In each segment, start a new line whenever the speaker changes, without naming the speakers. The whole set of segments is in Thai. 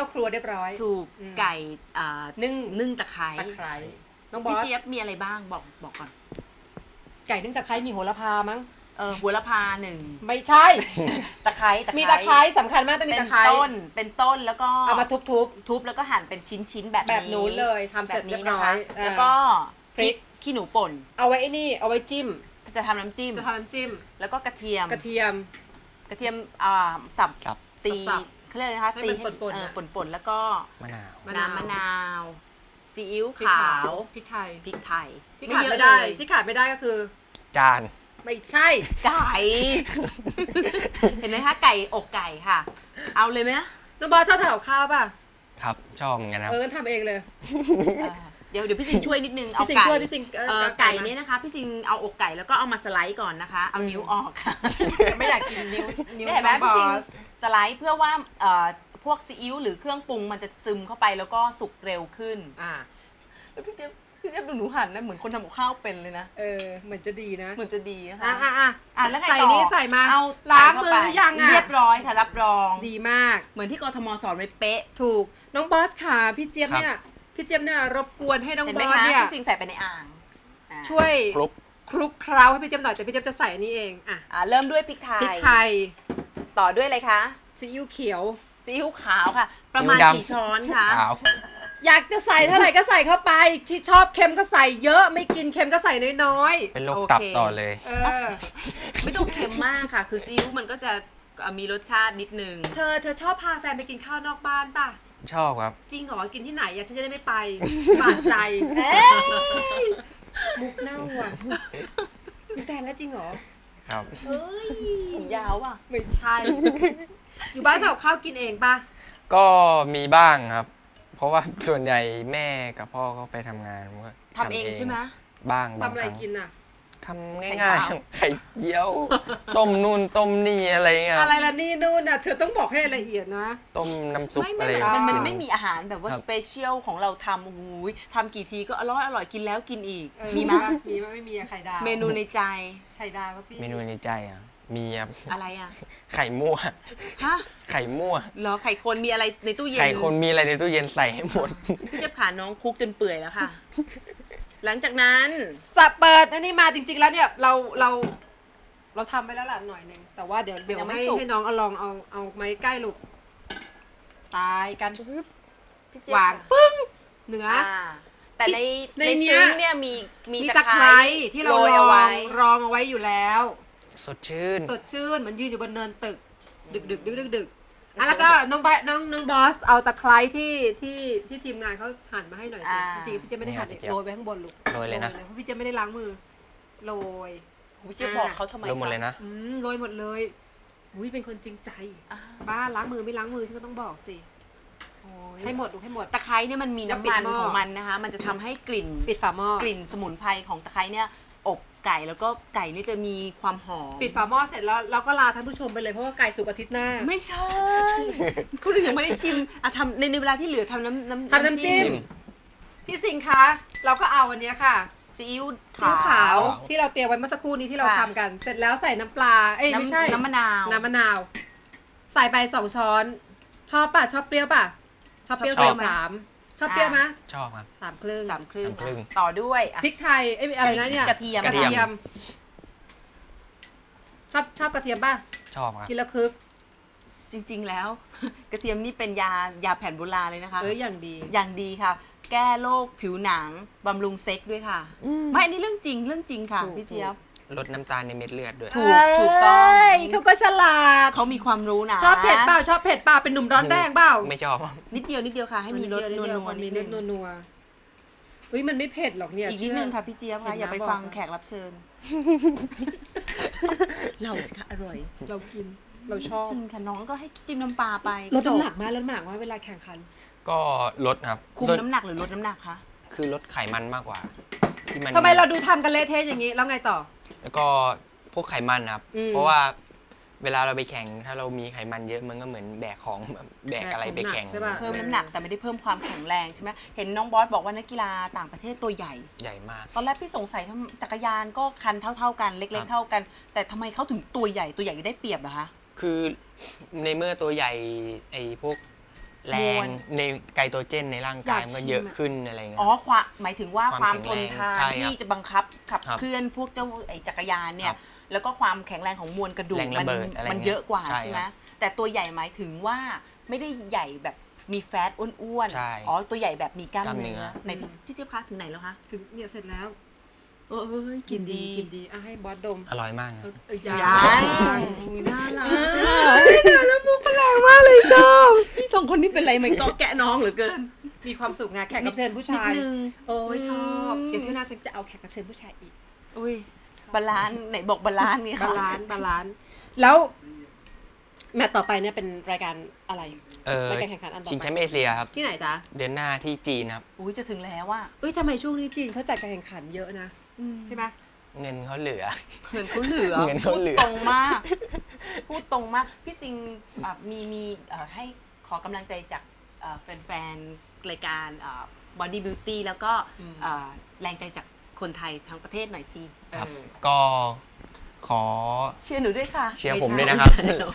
าครัวเรียบร้อย
ถูกไก่นึ่งตะไคร้
น้องบอส
พี่เจี๊ยบมีอะไรบ้างบอกก่อน
ไก่นึ่งตะไคร้มีโหระพามั้ง
โหระพา1
ไม่ใช่
ตะไคร้
มีตะไคร้สำคัญมากต้องมีตะไคร้
เป็นต้นแล้วก็
เอามาทุบ
แล้วก็หั่นเป็นชิ้นแบบ
นู้นเลยทำเสร็จเรียบร้อย
แล้วก็พริกขี้หนูป่น
เอาไว้เอาไว้จิ้ม
จะทำน้ำจิ้มแล้วก็กระเทียมสับตีเขาเรียกอะไรนะคะตีป่นแล้วก็มะนาวซีอิ๊วขาว
พริกไทย
ที่
ขาดไม่ได้ก็คือ
จาน
ไม่ใช่
ไก่เห็นไหมคะไก่อกไก่ค่ะเอาเลยไหม
น้องบอสชอบทำกับข้าวป่ะ
ครับชอบเหมือนกันครับ
ทำเองเลย
เดี๋ยวพี่สิงช่วยนิดนึงเอาไก่เนี่ยนะคะพี่สิงเอาอกไก่แล้วก็เอามาสไลด์ก่อนนะคะเอานิ้วออกค่ะ
ไม่อยากกินนิ้ว
เห็นไหมพี่สิงสไลด์เพื่อว่าพวกซีอิ๊วหรือเครื่องปรุงมันจะซึมเข้าไปแล้วก็สุกเร็วขึ้นแล้วพี่เจี๊ยบดูหนูหั่นนะเหมือนคนทำกับข้าวเป็นเลยนะ
เหมือนจะดีนะ
เหมือนจะดีนะคะ
แล้วใส่นี่ใส่มาเอาล้างมือหรือยัง
เรียบร้อยค่ะรับรอง
ดีมาก
เหมือนที่กทมสอนไว้เป๊ะ
ถูกน้องบอสค่ะพี่เจี๊ยบเนี่ยรบกวนให้น้องบอสเนี่ย
พี่สิงใส่ไปในอ่าง
ช่วยคลุกเคล้าให้พี่เจี๊ยบหน่อยแต่พี่เจี๊ยบจะใส่อันนี้เอง
เริ่มด้วยพริกไทยต่อด้วยอะไรคะ
ซีอิ๊วเขียว
ซีอิ๊วขาวค่ะประมาณกี่ช้อนคะ
อยากจะใส่เท่าไหร่ก็ใส่เข้าไปที่ชอบเค็มก็ใส่เยอะไม่กินเค็มก็ใส่น้อย
ๆเป็นโรคตับต่อเลย
ไม่ต้องเค็มมากค่ะคือซีอิ๊วมันก็จะมีรสชาตินิดนึง
เธอชอบพาแฟนไปกินข้าวนอกบ้านป่ะ
ชอบครับ
จริงเหรอกินที่ไหนฉันจะได้ไม่ไปบาดใจมุกเน่าอ่ะมีแฟนแล้วจริงเหรอ
ครับ
ผมยาวอ่ะ
ไม่ใช่อยู่บ้านทำข้าวกินเองป่ะ
ก็มีบ้างครับเพราะว่าส่วนใหญ่แม่กับพ่อก็ไปทำงานก็
ทำเองใช่ไหม
บ้าง
ทำอะไรกินอ่ะ
ทำง่ายๆไข่เจียวต้มนู่นต้มนี่อะไรเงี้ย
อะไรล่ะนี่นู่นน่ะเธอต้องบอกให้ละเอียดนะ
ต้มน้ำซุปอะไร
มันไม่มีอาหารแบบว่าสเปเชียลของเราทำทำกี่ทีก็อร่อยกินแล้วกินอีก
มีไหมไม่มีไข่ดาว
เมนูในใจ
ไข่ดาวพี่
เมนูในใจมีครับ
อะไร
ไข่มั่วไข่มั่ว
เหรอไข่คนมีอะไรในตู้เย็น
ไข่คนมีอะไรในตู้เย็นใส่ให้หมด
พี่เจี๊ยบขาน้องคุกจนเปื่อยแล้วค่ะหลังจากนั้น
เปิดอันนี้มาจริงๆแล้วเนี่ยเราทำไปแล้วล่ะหน่อยนึงแต่ว่าเดี๋ยวให้น้องลองเอาไม้ใกล้ลูกตายกันวางปึ้งเนื้อ
แต่ในซึ้งเนี่ยมี
ตะไคร้ที่เรารองเอาไว้อยู่แล้ว
สดชื่น
เหมือนยืนอยู่บนเนินตึกดึกแล้วก็น้องบอสเอาตะไคร้ที่ทีมงานเขาหั่นมาให้หน่อยสิจริงพี่เจ๊ไม่ได้หั่นโรยไปข้างบนลูก
โรยเลยนะ
เพราะพี่เจ๊ไม่ได้ล้างมือโรย
พี่เจ๊บอกเขาทำไม
โรยหมดเลยนะ
โรยหมดเลยเป็นคนจริงใจบ้าล้างมือไม่ล้างมือฉันก็ต้องบอกสิให้หมดลูกให้หมด
ตะไคร้เนี่ยมันมีน้ำมันของมันนะคะมันจะทำให้กลิ่น
ปิดฝาหม้อก
ลิ่นสมุนไพรของตะไคร้เนี่ยอบไก่แล้วก็ไก่นี่จะมีความหอม
ปิดฝาหม้อเสร็จแล้วเราก็ลาท่านผู้ชมไปเลยเพราะว่าไก่สุกอาทิตย์หน้า
ไม่ใช่คุณยังไม่ได้ชิมทำในเวลาที่เหลือทำน้ำจิ้ม
พี่สิงคะเราก็เอาอันนี้ค่ะ
ซีอิ๊ว
ขาวที่เราเตรียมไว้เมื่อสักครู่นี้ที่เราทำกันเสร็จแล้วใส่น้ำปลาไม่ใช่
น้ำมะนาว
ใส่ไป2 ช้อนชอบป่ะชอบเปรี้ยวป่ะชอบเปรี้ยวใส่3ชอบเปรี้ยวไหม
ชอบครับ
3 ครึ่ง
ต่อด้วย
พริกไทยอะไรนะเนี่ย
กระเทียม
ชอบกระเทียมป่ะ
ชอบครับ
กินแล้วคึก
จริงๆแล้วกระเทียมนี่เป็นยาแผนโบราณเลยนะคะ
อย่าง
ดีค่ะแก้โรคผิวหนังบำรุงเซ็กด้วยค่ะไม่อันนี้เรื่องจริงค่ะพี่เจี๊ยบ
ลดน้ำตาลในเม็ดเลือดด้วย
ถูกต้อง
เขาก็ฉลาด
เขามีความรู้นะ
ชอบเผ็ดเปล่าเป็นหนุ่มร้อนแรงเปล่า
ไม่ชอบ
นิดเดียวค่ะให้มีรสนัว
มันไม่เผ็ดหรอกเนี่ย
อีกนิดนึงค่ะพี่เจี๊ยบค่ะอย่าไปฟังแขกรับเชิญเราสิคะอร่อย
เรากินเราชอบ
จริงค่ะน้องก็ให้จิ้มน้ำปลาไป
ลดน้ำหนักมาเวลาแข่งขัน
ก็ลดครับ
คุมน้ำหนักหรือลดน้ำหนักคะ
คือลดไขมันมากกว่า
ทำไมเราดูทำกันเละเทะอย่างนี้แล้วไงต่อ
แล้วก็พวกไขมันครับเพราะว่าเวลาเราไปแข่งถ้าเรามีไขมันเยอะมันก็เหมือนแบกของแบกอะไรไปแข่ง
เพิ่มน้ำหนักแต่ไม่ได้เพิ่มความแข็งแรงใช่ไหมเห็นน้องบอสบอกว่านักกีฬาต่างประเทศตัวให
ญ่มาก
ตอนแรกพี่สงสัยทำจักรยานก็คันเท่ากันเล็กๆเท่ากันแต่ทำไมเขาถึงตัวใหญ่ได้เปรียบเหรอคะ
คือในเมื่อตัวใหญ่ไอ้พวกแรงในไกลโตรเจนในร่างกายมันก็เยอะขึ้นอะไรเงี้ย
อ๋อหมายถึงว่าความทนทาน
ใช่ครับ
ที่จะบังคับขับ
ครับ
เคลื่อนพวกเจ้าไอ้จักรยานเนี่
ครั
ย
บ
แล้วก็ความแข็งแรงของมวลกระดูก
แรงระเบิดอะไร
มันเยอะกว่า
ใช่
ใช่ไหม
ครับ
แต่ตัวใหญ่หมายถึงว่าไม่ได้ใหญ่แบบมีแฟตอ้วน
ใช่
อ๋อตัวใหญ่แบบมีกล้าม
กล้ามเนื้
เนื้อ
อ
ไหนพี่เจี๊ยบคะถึงไหนแล้วคะ
ถึงเนี่ยเสร็จแล้ว
เอ้ยกินดี
กินดีอ่ะให้บอสดม
อร่อยมากครับ
ยั
ยัง
ง
น่ารักแล้วมุกแรงมากเลยชอบพี่สองคนนี้เป็นไรไหมก็แกะน้องเหลือเกิน
มีความสุขไงแขกรับเชิญผู้ชาย
นิดนึง
โอ้ยชอบเดี๋ยวที่หน้าฉันจะเอาแขกรับเชิญผู้ชายอีก
อุ้ยบาลานซ์ไหนบอกบาลานซ์นี่
บา
ค่ะ
ลานซ์บาลานซ์แล้วแมตช์ต่อไปเนี่ยเป็นรายการอะไรรายการแข่งขันอันต่อไป
ชิงแชมป์เอเชียครับ
ที่ไหนจ๊ะ
เดือนหน้าที่จีนครับ
อุ้ยจะถึงแล้วว่า
เอ้ยทำไมช่วงนี้จีนเขาจัดการแข่งขันเยอะนะใช่ไหม
เงินเขาเหลือ
เงินเขาเหลือ
เงินเขาเหลือ
พูดตรงมาก พูดตรงมาก พี่ซิงมีให้ขอกำลังใจจากแฟนๆรายการBody Beauty แล้วก็แรงใจจากคนไทยทั้งประเทศหน่อยสิ
ครับ ก็ขอ
เชียร์หนูด้วยค่ะ
เชียร์ผมด้วยนะครับ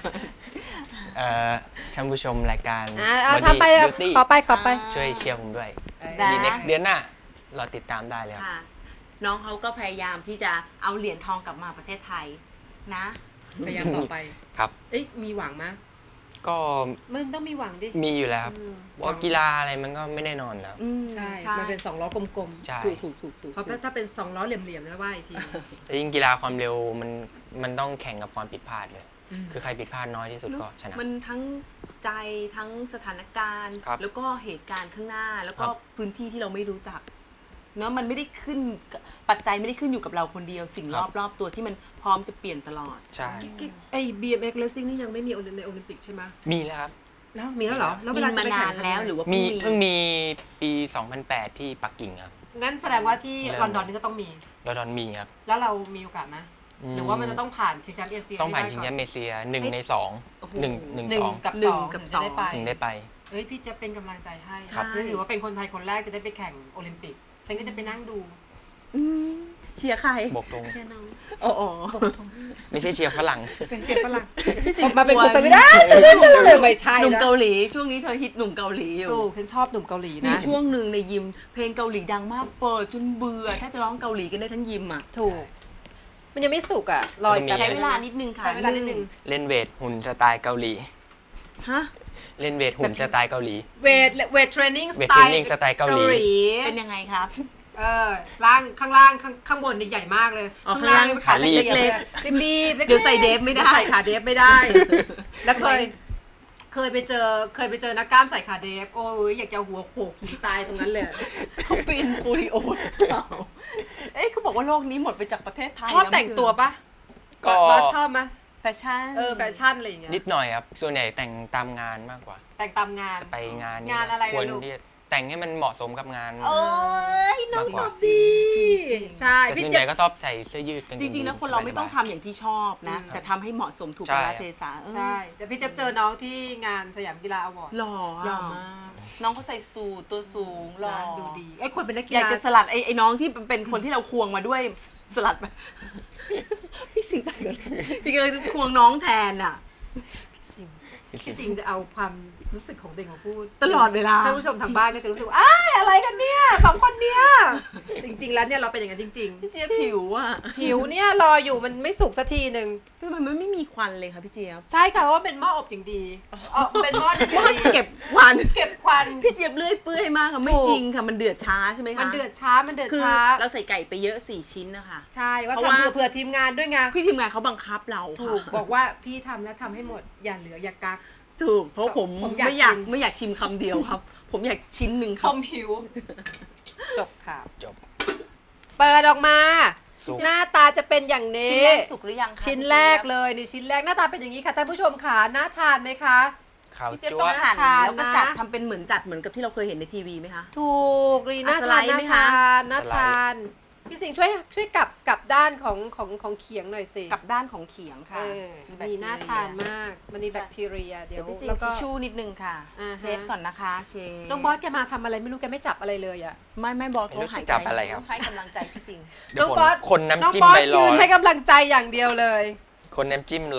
ท่านผู้ชมรายการ
ทำไป
Beauty
ขอไป
ช่วยเชียร์ผมด้วย
ได้
เดือนหน้าเราติดตามได้เลยครับ
ค่ะ น้องเขาก็พยายามที่จะเอาเหรียญทองกลับมาประเทศไทยนะ
พยายามต่อไป
ครับ
เอ้ยมีหวังไหม
ก็
มันต้องมีหวังดิ
มีอยู่แล้วครับ
อืม
เพราะกีฬาอะไรมันก็ไม่แน่นอนแล้ว
ใช่มันเป็น2ล้อกลม
ใช่
ถูก
ๆเพราะถ้าเป็น2ล้อเหลี่ยมๆแล้วว่าอีกที
แต่ยิ่งกีฬาความเร็วมันต้องแข่งกับความผิดพลาดเลย คือใครผิดพลาดน้อยที่สุดก็ชนะ
มันทั้งใจทั้งสถานการณ์
ครับ
แล้วก็เหตุการณ์ข้างหน้า แล้วก็
ครับ
พื้นที่ที่เราไม่รู้จักเนอะมันไม่ได้ขึ้นปัจจัยไม่ได้ขึ้นอยู่กับเราคนเดียว สิ่งรอบๆตัวที่มันพร้อมจะเปลี่ยนตลอด
ใช่
ไอ้ BMX racing นี่ยังไม่มีในโอลิมปิกใช่ไหม
มีแล้วครับ
แล้วมีแล้วเหรอแล้วเว
มี
ลาจะ
มา
ไป
นา
แข่ง
นแล้วหรือว่า
มี
เพิ่
เพิ่
ง
ง
มี
มีปี 2008 ที่ปักกิ่งครับ
งั้นแสดงว่าที่
เริ่ม
ลอนดอนนี่ก็ต้องมี
ลอนดอนมีครับ
แล้วเรามีโอกาสไหมหรือว่ามันจะต้องผ่านชิงแชมป์เอเชีย
ต้องผ่าน
ให้
ชิ
ได้
งแชมป์เอเชีย1 ใน
โอ้โห
2 1 2
กับ
หนึ่ง
2
กับ
ถึงจะได้
สอง
ไป
ถึงได้ไป
เอ้ยพี่จะเป็นกำลังใจให้
ครับ
นี่ถือว่าเป็นคนไทยคนแรกจะได้ไปแข่งโอลิมปิก ฉันก็จะไปนั่งดู
อืมเชียร์ใคร
บกตรง
เชียร์น้อง
อ๋อ
ไม่ใช่เชียร์ฝรั่ง
เป็นเสียงฝรั่ง
พี่สิง
ออกมาเป็นคน
กลัว
สวีเดนไม่ใช่
หนุ่ม
นะ
เกาหลีช่วงนี้เธอฮิตหนุ่มเกาหลีอยู่
ถูกฉันชอบหนุ่มเกาหลี
มี
นะ
ช่วงหนึ่งในยิม เพลงเกาหลีดังมากเปิดจนเบื่อแค่จะร้องเกาหลีกันได้ทั้งยิมอ่ะ
ถูก มันยังไม่สุกอ่ะรออีก
มันมี
แป๊บ
ใช้เวลานิดนึงค่ะ
ใช้เวลานิดนึง
เล่นเวทหุ่นสไตล์เกาหลี
ฮะ
เล่นเวทหุ่นสไตล์เกาหลี
เวทเทรนนิ่งส
เวท
ไต
เทรน
ล์
นิ่งสไตล์เกาหลี
เป็นยังไงครับ
ล่างข้างล่างข้างบนนี่ใหญ่มากเลย
อ๋อ
ข้างล่าง
ข้างล่าง
ขาเล็ก
เล็ก
ๆรีบๆ
เดี๋ยวใส่เดฟไม่ได้
ใส่ขาเดฟไม่ได้ แล้วเคยไปเจอนักกล้ามใส่ขาเดฟโอ้ยอยากจะหัวโขกหินตายตรงนั้นเลย
เขาเป็นโปลิโอหรือเปล่าเอ้ยเขาบอกว่าโลกนี้หมดไปจากประเทศไทย
ชอบ
ล้ว
แต่งตัวปะ
ก็
บอสชอบไหม
แฟชั่น
แฟชั่นอะไรอย่างเงี้ย
นิดหน่อยครับ ส่วนใหญ่แต่งตามงานมากกว่า
แต่งตามงาน
ไปงาน
งานอะไร
ควร
ลูก
ที่จะแต่งให้มันเหมาะสมกับงาน
โอ้ยน้อง
มากกว่า
ตอบดี
ใช่
แต่
พี่
ส่วน
เจ
ใหญ่ก็ชอบใส่เสื้อยืดกางเก
จ
ง
ริงๆแล้ว
ยี
คนเราไม่ต้อง
ส
ทำ
บย
อย่างที่ชอบนะ แต่ทำให้เหมาะสมถูก
ใช่
กาลเทศะ
ใช่แต่พี่เจอน้องที่งานสยามกีฬาอวอร์ด
หล่อ
หล่อ
อะ
มาก
น้องเขาใส่สูทตัวสูงหล่อ
นะดูดีไอ้ยคนเป็นนักกี
อยาก
ฬา
จะสลัดไอ้น้องที่เป็นคนที่เราควงมาด้วยสลัดไปพี่สิงห์ไปก่อนพี่เลยควงน้องแทนอ่ะ
พี่สิงห์จะเอาความรู้สึกของเด็กมาพูด
ตลอดเวลา
ท่านผู้ชมทางบ้านก็จะรู้สึกว่าอ้ายอะไรกันเนี่ยสองคนเนี่ยจริงๆแล้วเนี่ยเราเป็นอย่างนั้นจริง
พี่เจี๊ยบผิวอ่ะ
ๆหิวเนี่ยรออยู่มันไม่สุกสักทีหนึ่ง
ทำไมมันไม่มีควันเลยคะพี่เจี๊ยบ
ใช่ค่ะเพราะว่าเป็นหม้ออบอย่างดีเป็นหม้ออย่าง
ว่า
ดี
เก็บควัน
เก็บควัน
พี่เจี๊ยบเลื่อยเปื่อยมากค่ะไม่จริงค่ะมันเดือดช้าใช่ไหมคะ
มันเดือดช้ามันเดือด
คือ
ช้า
เราใส่ไก่ไปเยอะ4 ชิ้นนะคะ
ใช่ว่า
เพราะว่า
ทำเผื่อทีมงานด้วยไง
พี่ทีมงานเขาบังคับเรา
ถูก
ค่ะ
บอกว่าพี่ทำแล้วทำให้หมดอย่าเหลืออย่ากัก
ถูกเพราะผม
ผมอยาก
ไม่อยากชิมคำเดียวครับ ผมอยากชิ้นหนึ่งค
ผ
รับ
มหิว จบค่ะ
จบ
เปิดออกมา
สุก
หน้าตาจะเป็นอย่างนี้
ชิ้นแรกสุกหรือยังคะ
ชิ้นแรกเลยนี่ชิ้นแรกหน้าตาเป็นอย่างนี้ค่ะท่านผู้ชมค่ะน่าทานไหมคะ
ข้าว
พี่เจี๊ยบ
จั๊
ต้
ว
องหั่น
ทาน
แล้วก็
นะ
จัดทำเป็นเหมือนกับที่เราเคยเห็นในทีวีไหมคะ
ถูกนี่น่า
สไล
ทาน
ด์
น่า
ไหม
ทา
คะ
นน่าทานพี่สิงห์ช่วยกลับด้านของเขียงหน่อยสิ
กับด้านของเขียงค่ะ
เออ
แบคที
มี
เรีย
น่าทานมากมันมีแบคทีเรียเดี๋
เดี๋
ย
ยว วพี่ซี
แล้วก็
ทิชชู่นิดนึงค่ะ
อ่าฮะ
เช็ดก่อนนะคะเชฟ
น้องบอสแกมาทำอะไรไม่รู้แกไม่จับอะไรเลยอ่ะ
ไม่บอก
ไม่
เขา
รู้
หาย
จะ
ใจ
จับอะไรครับ
ให้กำลังใจพี่สิงห์
เดี๋ยว
น้องบอส
คนน้ำจิ้ม
น้องบอส
ไปรอ
ยืนให้กำลังใจอย่างเดียวเลย
คนน้ำจิ้มรอ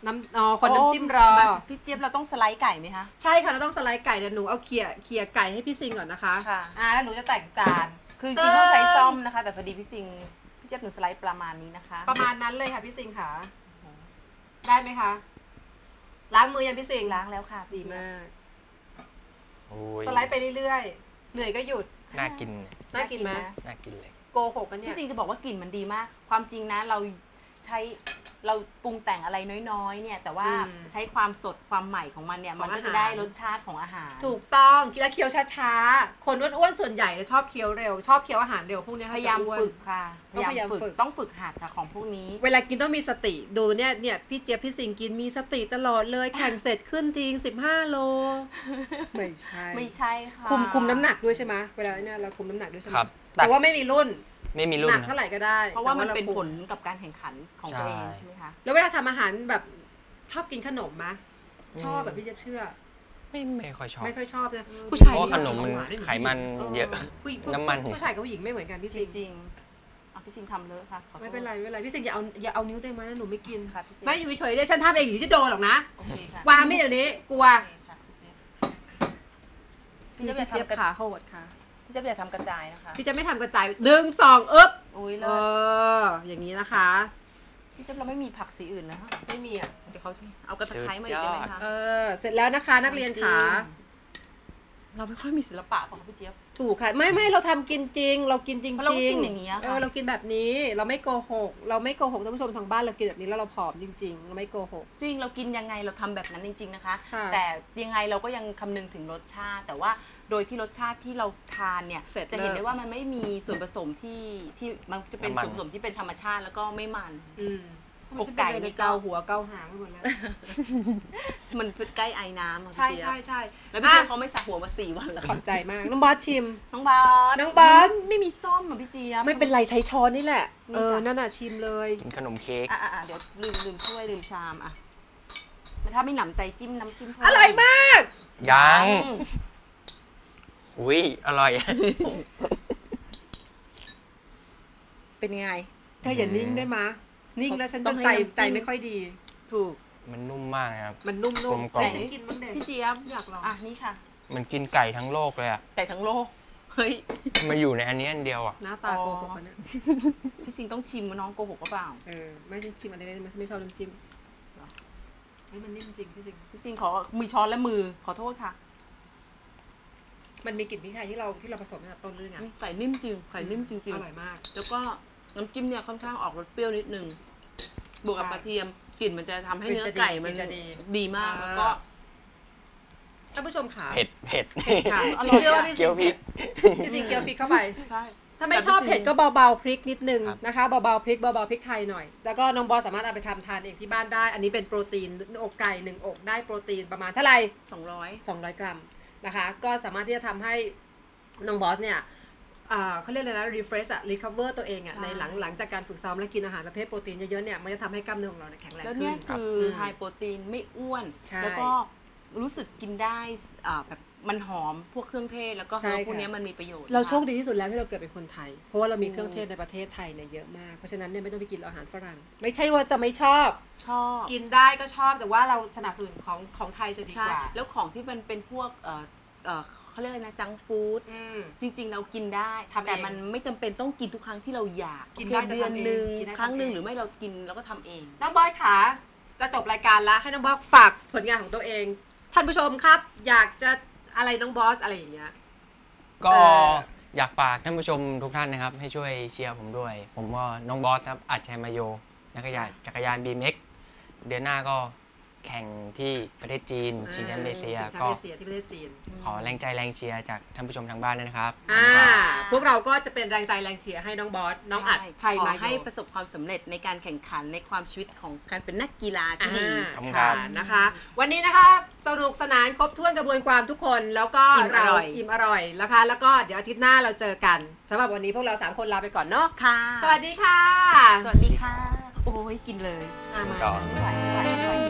คนน้ำจิ้มรอ
พี่เจี๊ยบเราต้องสไลด์ไก่ไหมคะ
ใช่ค่ะเราต้องสไลด์ไก่เดี๋ยวหนูเอาเขี่ยไก่ให้พี่ซิงก่อนนะคะ
ค่ะ
แล้วหนูจะแต่งจาน
คือจริงๆต้องใช้ซ่อมนะคะ แต่พอดีพี่เจี๊ยบหนูสไลด์ประมาณนี้นะคะ
ประมาณนั้นเลยค่ะพี่ซิงค่ะได้ไหมคะล้างมือยังพี่ซิง
ล้างแล้วค่ะ
ดีมาก
โอ้ย
สไลด์ไปเรื่อยๆเหนื่อยก็หยุด
น่ากิน
น่ากินไหม
น่ากินเลย
โกหกกันเนี่ย
พี่ซิงจะบอกว่ากลิ่นมันดีมาก ความจริงนะเราปรุงแต่งอะไรน้อยๆเนี่ยแต่ว่าใช้ความสดความใหม่ของมันเนี่ยมันก็จะได้รสชาติของอาหาร
ถูกต้องกินแล้วเคี้ยวช้าๆคนอ้วนๆส่วนใหญ่จะชอบเคี้ยวเร็วชอบเคี้ยวอาหารเร็วพวกนี้
พยายามฝึกค่ะ
ต้องพยายามฝึก
ต้องฝึกหัดค่ะของพวกนี้
เวลากินต้องมีสติดูเนี่ยพี่เจี๊ยบพี่สิงกินมีสติตลอดเลยแข่งเสร็จขึ้นทิ้ง15 โลไม่ใช่
ไม่ใช่ค่ะ
คุมน้ำหนักด้วยใช่ไหมเวลาเนี่ยเราคุมน้ำหนักด้วยใช่ไหม
ครับ
แต่ว่าไม่มีรุ่น
ไม่มีรุ่
ห
น
นักเท่าไหร่ก็ได้
เพราะว่ามันเป็น
แต่
ผลกับการแข่งขันของตัวเองใช่ไหมคะ
แล้วเวลาทำอาหารแบบชอบกินขนมไหมชอบแบบพี่เจี๊ยบเชื่อ
ไม่ค่อยชอบ
ไม่ค่อยชอบนะ
อืม
ผู้ชาย
เพราะว่าขนมมัน
หวาๆ
ไขมันเยอะ น้ำมัน
ผู้ชายกับผู้หญิงไม่เหมือนกันพี่
จ
สิง
ริงๆพี่ซิงทำเลอะค่ะขอโทษ
ไม่เป็นไรพี่สิงอย่าเอานิ้วเต็มมานะหนูไม่กิน
ค่ะพี่เจี๊ยบ
ไม่อยู่เฉยๆเลยฉันทำเองอยู่ที่โดนหรอกนะ
โอเคค่ะ
วางไม่เดี๋ยวนี้กลัว
โอเคค่ะพี่เจี๊ยบ
พี่เจี๊ยบขาโหดค่ะ
พี่เจี๊ยบอย่าทำกระจายนะคะ
พี่จะไม่ทำกระจายดึงสองอึ๊บ
อุ้ยเล
เอย อย่างนี้นะคะ
พี่เจี๊ยบเราไม่มีผักสีอื่นนะคะ
ไม่มีอ่ะ
เดี๋ยวเขาเอากระตะไคร้มาอีกได้ไหมคะ
เสร็จแล้วนะคะนักเรียนขา
เราไม่ค่อยมีศิลปะป่ะคะพี่เจี๊ยบ
ถูกค่ะไม่เราทำกินจริง เรากินจริง
เพราะเราก็กินอย่างนี้อะค่ะ
เรากินแบบนี้เราไม่โกหกท่านผู้ชมทางบ้านเรากินแบบนี้แล้วเราผอมจริงๆเราไม่โกหก
จริงเรากินยังไงเราทำแบบนั้นจริงๆนะคะ
ค่ะ
แต่ยังไงเราก็ยังคำนึงถึงรสชาติ แต่ว่าโดยที่รสชาติที่เราทานเนี่ย
เสร็จ
จะเห็น
เลิก
ได้ว่ามันไม่มีส่วนผสมที่มันจะเป็น
น้ำมัน
ส่วนผสมที่เป็นธรรมชาติแล้วก็ไม่มัน
อกไก่นี่เกาหัวเกาหางไปหมดแล้ว
มันใกล้ไอ้น้ำอะ
ใช่
พี่เจี๊ยบ
ใช่
แล้วพี่เจี๊ยบเขาไม่สระหัวมา4 วันแล้ว
ขอบใจมากน้องบอสชิม
น้องบาส
น้องบาส
ไม่มีซ่อมอ่ะพี่เจี๊ยบ
ไม่เป็นไรใช้ช้อนนี่แหละ
นี่จ้ะ
นั่นน่ะชิมเลย
กินขนมเค้ก
เดี๋ยวลืมถ้วยลืมชามอ่ะถ้าไม่หนำใจจิ้มน้ำจิ้มเพิ่
อร่อยมาก
ยัง อุ้ยอร่อย
เป็นไง
เธออย่านิ่งได้มะนิ่งแล้วฉัน
ต้
จะ
องให้
ใจ
น้ำจิ้ม
ใจไม่ค่อยดี
ถูก
มันนุ่มมากนะครับ
มันนุ่ม
กลม
ๆ
กล่อม
แต่ฉันกินบ้างเด็
พี่เจี๊ยบ
อยากลอง
นี่ค่ะ
มันกินไก่ทั้งโลกเลยอะ
ไก่ทั้งโลกเฮ้ย
มาอยู่ในอันนี้อันเดียวอะ
หน้าตาโกหกกันเนี่ย
พี่ซิงต้องชิมว่าน้องโกหกหรือเปล่า
ไม่ใช่ชิมอันนี้ไม่ชอบน้ำจิ้มเฮ้ยมันนิ่มจริงพี่สิง
พี่ซิงขอมือช้อนและมือขอโทษค่ะ
มันมีกลิ่นพริกไทยที่เราผสมตั้งแต่ต้นเรื่องอ่ะ
ไก่นิ่มจริงไก่นิ่มจริง
อร่อยมาก
ๆแล้วก็น้ำจิ้มเนี่ยค่อนข้างออกรสเปรี้ยวนิดนึงบวกกับ
ใช่
กระเทียมกลิ่นมันจะทำให้
กลิ่น
เนื้อ
จะดี
ไก่มัน
กลิ่นจะดี
ดีมาก
อ่า
แล้วก็
ท่านผู้ชมขา
เผ็ด
เผ็ดค่ะ
อร่อย
เชื่อว่าพี่
เกี๊
สิ
ยว
ง
พริก
พี่สิงเกี๊ยวพริกเข้าไป
ใช่
ถ้าไม่ชอบเผ็ดก็เบาๆพริกนิดนึง
ครับ
นะคะเบาๆพริกไทยหน่อย แล้วก็น้องบอสสามารถเอาไปทำทานเองที่บ้านได้ อันนี้เป็นโปรตีนอกไก่1 อกได้โปรตีนประมาณเท่าไหร่ 200 กรัมนะคะ ก็สามารถที่จะทำให้น้องบอสเนี่ยเขาเรียกอะไรนะ refresh อะ recover ตัวเองอะ
ใช่
ในหลังจากการฝึกซ้อมและกินอาหารประเภทโปรตีนเยอะๆเนี่ยมันจะทำให้กล้ามเนื้อของเราเนี่ยแข็งแรง
แล้ว
ขึ้
เนี่ย
น
คือ
ม
ไฮโปรตีนไม่อ้วน
ใช่
แล้วก็รู้สึกกินได้แบบมันหอมพวกเครื่องเทศแล้วก็
ใช่
พวก
ค่ะ
เนี้ยมันมีประโยชน์
เรา
นะคะ
โชคดีที่สุดแล้วที่เราเกิดเป็นคนไทย เพราะว่าเรามีเครื่องเทศในประเทศไทยเนี่ยเยอะมาก เพราะฉะนั้นเนี่ยไม่ต้องไปกินอาหารฝรั่ง ไม่ใช่ว่าจะไม่ชอบ
ชอบ
กินได้ก็ชอบแต่ว่าเราสนับสนุนของไทยจะดี
ใช่
กว่า
แล้วของที่มันเป็นพวกเขาเรียกอะไรนะจังฟู้ด จริง ๆ เรากินได้
ทำเอง
แต่มันไม่จำเป็นต้องกินทุกครั้งที่เราอยาก
กิน
โอ
ได้
เค
แต่
เดือน
ทำเอง
หนึ่ง
กินได้
ครั้งหนึ่ง
ทำเอง
หรือไม่เรากินแล้วก็ทำเอง
น้องบอยขาจะจบรายการแล้วให้น้องบอสฝากผลงานของตัวเอง ท่านผู้ชมครับ อยากจะอะไรน้องบอสอะไรอย่างเงี้ย
ก็
เออ
อยากฝากท่านผู้ชมทุกท่านนะครับ ให้ช่วยเชียร์ผมด้วย ผมก็น้องบอสครับอัจชัยมาโยนักจักรยาน BMX เดือนหน้าก็แข่งที่ประเทศจีนชิงแชมป์เอเชีย
ชิงแชม
ก็
ป์เอเชียที่ประเทศจีน
ขอแรงใจแรงเชียร์จากท่านผู้ชมทางบ้านด้วยนะครับ
พวกเราก็จะเป็นแรงใจแรงเชียร์ให้น้องบอสน้องอัดชัย
ขอ
มาโย
ให้ประสบความสำเร็จในการแข่งขันในความชีวิตของการเป็นนักกีฬาที่ดี
ขอบคุณครั
ค่ะ
บ
นะคะ วันนี้นะคะสนุกสนานครบถ้วนกระบวนความทุกคนแล้วก็
อิ่มอร่อย
อิ่มอร่อยนะคะ แล้วก็เดี๋ยวอาทิตย์หน้าเราเจอกันสำหรับวันนี้พวกเรา3คนลาไปก่อนเนาะ
ค่ะ
สวัสดีค่ะ
สวัสดีค่ะ โอ้ยกินเลย
มา
ต่อ
ไม่ไหว